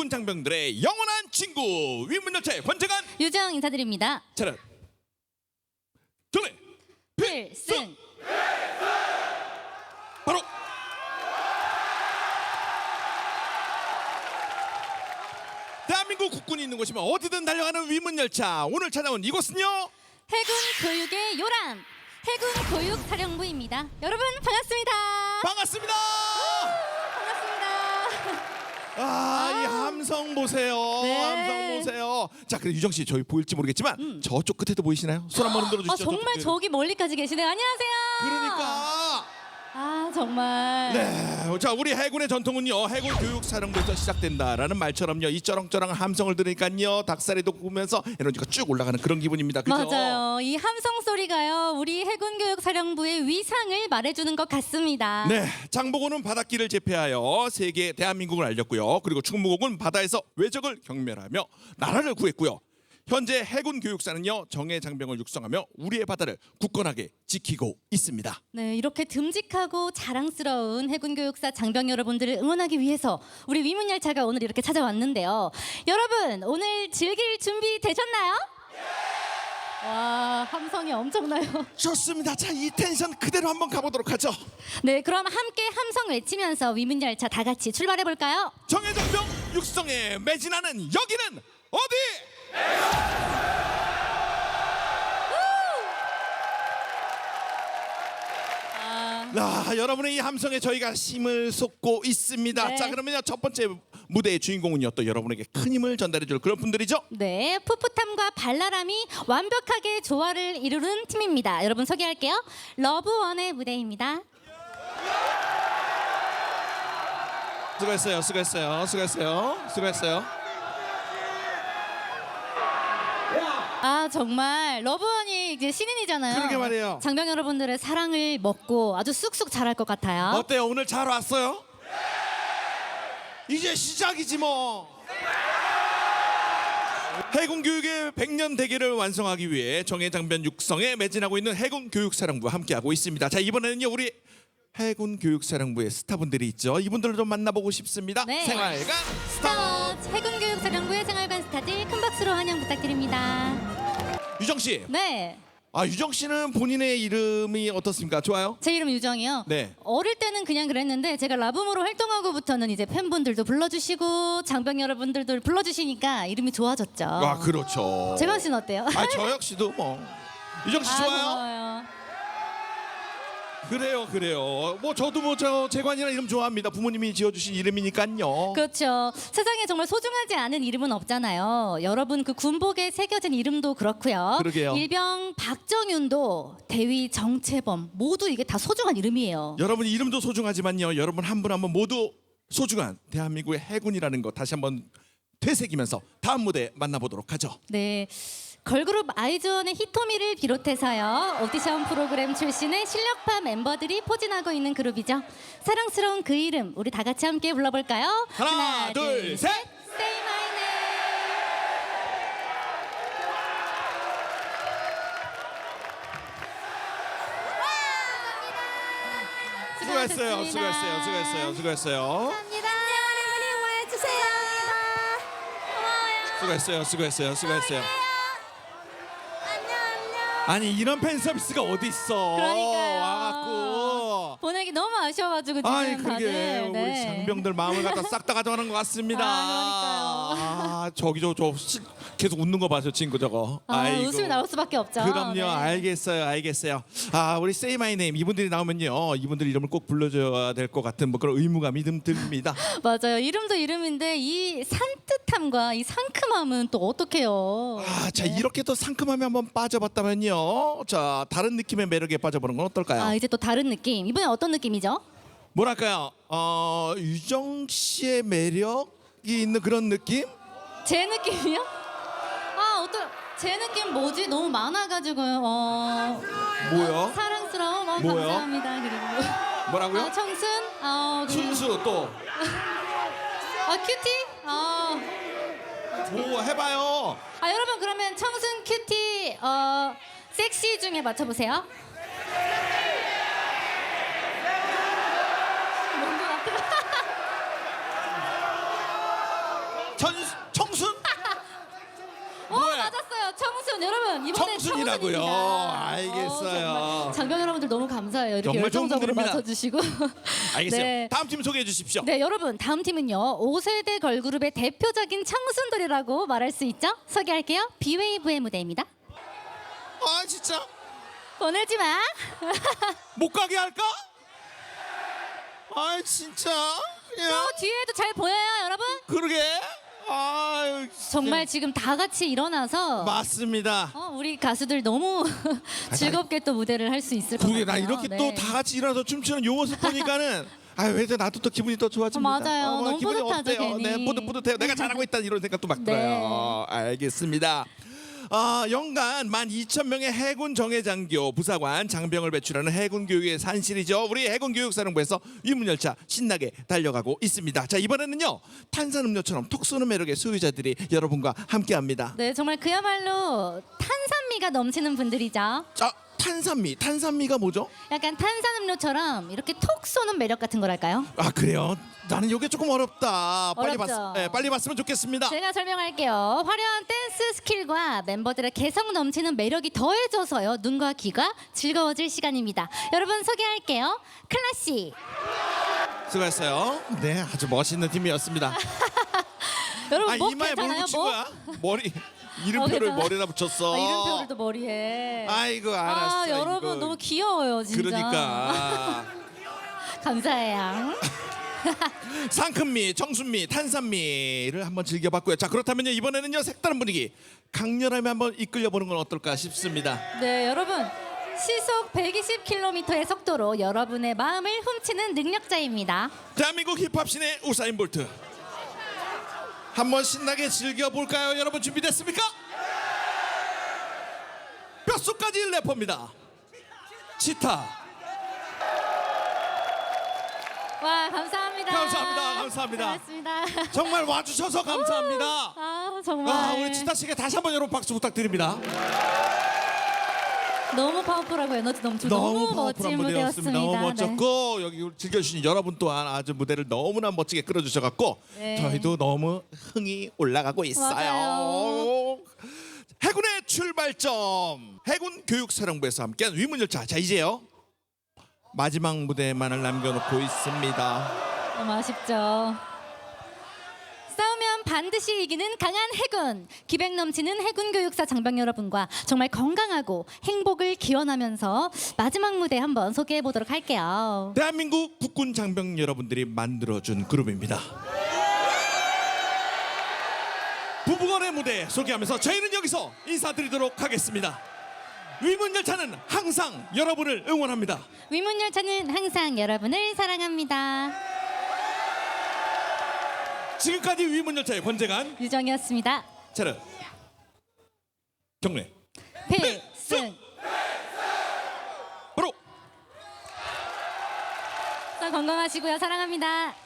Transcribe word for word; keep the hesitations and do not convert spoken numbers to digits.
해군 장병들의 영원한 친구 위문열차의 관장관 유정 인사드립니다. 차렷 전례 필승. 바로 대한민국 국군이 있는 곳이면 어디든 달려가는 위문열차. 오늘 찾아온 이곳은요, 해군 교육의 요람 해군 교육사령부입니다. 여러분 반갑습니다. 반갑습니다. 반갑습니다. 아, 이 함성 보세요. 네. 함성 보세요. 자, 그래 유정 씨, 저희 보일지 모르겠지만 음. 저쪽 끝에도 보이시나요? 손 한번 흔들어 아, 주시죠. 정말 저쪽. 저기 멀리까지 계시네요. 안녕하세요. 그러니까. 아 정말. 네, 자 우리 해군의 전통은요, 해군 교육사령부에서 시작된다라는 말처럼요, 이 쩌렁쩌렁한 함성을 들으니까요 닭살이 돋구면서 에너지가 쭉 올라가는 그런 기분입니다. 그죠? 맞아요. 이 함성 소리가요 우리 해군 교육사령부의 위상을 말해주는 것 같습니다. 네, 장보고는 바닷길을 제패하여 세계 대한민국을 알렸고요. 그리고 충무공은 바다에서 외적을 경멸하며 나라를 구했고요. 현재 해군 교육사는요 정예 장병을 육성하며 우리의 바다를 굳건하게 지키고 있습니다. 네, 이렇게 듬직하고 자랑스러운 해군 교육사 장병 여러분들을 응원하기 위해서 우리 위문열차가 오늘 이렇게 찾아왔는데요. 여러분 오늘 즐길 준비 되셨나요? 와, 함성이 엄청나요. 좋습니다. 자, 이 텐션 그대로 한번 가보도록 하죠. 네, 그럼 함께 함성 외치면서 위문열차 다 같이 출발해 볼까요? 정예 장병 육성에 매진하는 여기는 어디? 아, 여러분의 이 함성에 저희가 힘을 쏟고 있습니다. 네. 자, 그러면요 첫 번째 무대의 주인공은요 또 여러분에게 큰 힘을 전달해줄 그런 분들이죠. 네, 풋풋함과 발랄함이 완벽하게 조화를 이루는 팀입니다. 여러분 소개할게요. 러브원의 무대입니다. 수고했어요, 수고했어요, 수고했어요, 수고했어요. 아 정말 러브원이 이제 신인이잖아요. 그러게 말이에요. 장병 여러분들의 사랑을 먹고 아주 쑥쑥 자랄 것 같아요. 어때요? 오늘 잘 왔어요? 이제 시작이지 뭐. 해군 교육의 백 년 대계를 완성하기 위해 정예 장병 육성에 매진하고 있는 해군 교육사령부와 함께하고 있습니다. 자, 이번에는요 우리 해군 교육사령부의 스타분들이 있죠. 이분들을 좀 만나보고 싶습니다. 네. 생활관 스타. 스타 해군 교육사령부의 생활관 스타들 큰 박수로 환영 부탁드립니다. 유정 씨. 네, 아, 유정 씨는 본인의 이름이 어떻습니까? 좋아요? 제 이름 유정이요. 네. 어릴 때는 그냥 그랬는데 제가 라붐으로 활동하고부터는 이제 팬분들도 불러주시고 장병 여러분들도 불러주시니까 이름이 좋아졌죠. 아, 그렇죠. 재광 씨는 어때요? 아, 저 역시도 뭐. 유정 씨 아, 좋아요? 고마워요. 그래요, 그래요. 뭐 저도 뭐 저 재관이라는 이름 좋아합니다. 부모님이 지어주신 이름이니까요. 그렇죠. 세상에 정말 소중하지 않은 이름은 없잖아요. 여러분 그 군복에 새겨진 이름도 그렇고요. 그러게요. 일병 박정윤도 대위 정채범 모두 이게 다 소중한 이름이에요. 여러분 이름도 소중하지만요, 여러분 한 분 한 분 모두 소중한 대한민국의 해군이라는 거 다시 한번 되새기면서 다음 무대 만나보도록 하죠. 네. 걸그룹 아이즈원의 히토미를 비롯해서요 오디션 프로그램 출신의 실력파 멤버들이 포진하고 있는 그룹이죠. 사랑스러운 그 이름 우리 다 같이 함께 불러볼까요? 하나, 둘, 셋. Say my name. 수고했어요, 수고했어요, 수고했어요, 수고했어요. 감사합니다. 여러분이 와주세요. 고마워요. 수고했어요, 수고했어요, 수고했어요. 안녕 안녕. 아니 이런 팬 서비스가 어디 있어? 그러니까요. 와갖고. 보내기 너무 아쉬워가지고 지금 아니 그게 다들 우리 네. 장병들 마음을 갖다 싹 다 가져가는 것 같습니다. 아, 그러니까요. 아, 저기 저, 저 시- 계속 웃는 거 봐서 친구 저거. 아, 아이고. 웃음이 나올 수밖에 없죠. 그럼요, 네. 알겠어요, 알겠어요. 아, 우리 Say My Name 이분들이 나오면요, 이분들 이름을 꼭 불러줘야 될 것 같은 뭐 그런 의무감이 좀 듭니다. 맞아요. 이름도 이름인데 이 산뜻함과 이 상큼함은 또 어떡해요. 아, 자 이렇게 또 상큼함에 한번 빠져봤다면요, 자 다른 느낌의 매력에 빠져보는 건 어떨까요? 아 이제 또 다른 느낌. 이번엔 어떤 느낌이죠? 뭐랄까요, 어, 유정 씨의 매력이 있는 그런 느낌? 제 느낌이요? 아 어떤 제 느낌 뭐지? 너무 많아가지고 어 뭐요? 사랑스러움 어, 뭐요? 감사합니다. 그리고 뭐라고요? 어, 청순 어 그리고 순수 또. 어 큐티 어 뭐 해봐요. 아 여러분 그러면 청순 큐티 어 섹시 중에 맞춰보세요. 뭔것 같아요. 청순 여러분 이번에 청순이라고요. 청순입니다. 알겠어요. 어, 정말 장병 여러분들 너무 감사해요. 이렇게 정말 좋은 열정적으로 분들입니다. 맞춰주시고. 알겠어요. 네. 다음 팀 소개해 주십시오. 네 여러분 다음 팀은요 오 세대 걸그룹의 대표적인 청순돌이라고 말할 수 있죠. 소개할게요. 비웨이브의 무대입니다. 아 진짜 보내지 마. 못 가게 할까? 아 진짜 그냥 또 뒤에도 잘 보여요 여러분. 그러게. 아 정말 지금 다 같이 일어나서 맞습니다. 어, 우리 가수들 너무 즐겁게 또 무대를 할 수 있을 것 그게 같아요. 나 이렇게 네. 또 다 같이 일어나서 춤추는 요 모습 보니까는 아 왜 나도 또 기분이 또 좋아집니다. 어, 맞아요. 뭐 너무 기분이 뿌듯하죠, 어때요? 괜히. 네, 뿌듯 뿌듯해요. 내가 잘하고 있다 이런 생각도 막 네. 들어요. 알겠습니다. 아, 연간 만 이천 명의 해군 정예장교 부사관 장병을 배출하는 해군 교육의 산실이죠. 우리 해군 교육사령부에서 위문열차 신나게 달려가고 있습니다. 자 이번에는요 탄산음료처럼 톡 쏘는 매력의 소유자들이 여러분과 함께합니다. 네 정말 그야말로 탄산미가 넘치는 분들이죠. 자 탄산미, 탄산미가 뭐죠? 약간 탄산음료처럼 이렇게 톡 쏘는 매력 같은 거랄까요? 아 그래요? 나는 이게 조금 어렵다. 빨리 어렵죠. 봤, 네, 빨리 봤으면 좋겠습니다. 제가 설명할게요. 화려한 댄스 스킬과 멤버들의 개성 넘치는 매력이 더해져서요. 눈과 귀가 즐거워질 시간입니다. 여러분 소개할게요. 클라시. 수고했어요. 네, 아주 멋있는 팀이었습니다. 여러분 아 목 이마에 뭘 괜찮아요? 붙인 목? 거야? 머리 이름표를 괜찮아? 머리에다 붙였어. 아, 이름표를 또 머리에. 아이고 알았어. 아 여러분 이거. 너무 귀여워요 진짜. 그러니까 감사해요. 상큼미, 청순미, 탄산미를 한번 즐겨봤고요. 자 그렇다면요 이번에는요 색다른 분위기 강렬함에 한번 이끌려보는 건 어떨까 싶습니다. 네 여러분 시속 백이십 킬로미터의 속도로 여러분의 마음을 훔치는 능력자입니다. 대한민국 힙합 신의 우사인 볼트. 한번 신나게 즐겨볼까요? 여러분 준비됐습니까? 뼛속까지 래퍼입니다. 치타. 와 감사합니다. 감사합니다. 감사합니다. 고맙습니다. 정말 와주셔서 감사합니다. 아 정말. 아, 우리 치타 씨에게 다시 한번 여러분 박수 부탁드립니다. 너무 파워풀하고 에너지 넘치고 너무, 파워풀한 멋진 무대였습니다. 무대였습니다. 너무 네. 멋졌고 여기 즐겨주신 여러분 또한 아주 무대를 너무나 멋지게 끌어주셔갖고 네. 저희도 너무 흥이 올라가고 있어요. 맞아요. 해군의 출발점 해군 교육사령부에서 함께한 위문열차. 자 이제요 마지막 무대만을 남겨놓고 있습니다. 너무 아쉽죠. 싸우면 반드시 이기는 강한 해군, 기백 넘치는 해군 교육사 장병 여러분과 정말 건강하고 행복을 기원하면서 마지막 무대 한번 소개해 보도록 할게요. 대한민국 국군 장병 여러분들이 만들어준 그룹입니다. 부부간의 무대 소개하면서 저희는 여기서 인사드리도록 하겠습니다. 위문열차는 항상 여러분을 응원합니다. 위문열차는 항상 여러분을 사랑합니다. 지금까지 위문열차의 권재관 유정이었습니다. 차렷 경례 필승. 바로 건강하시고요. 사랑합니다.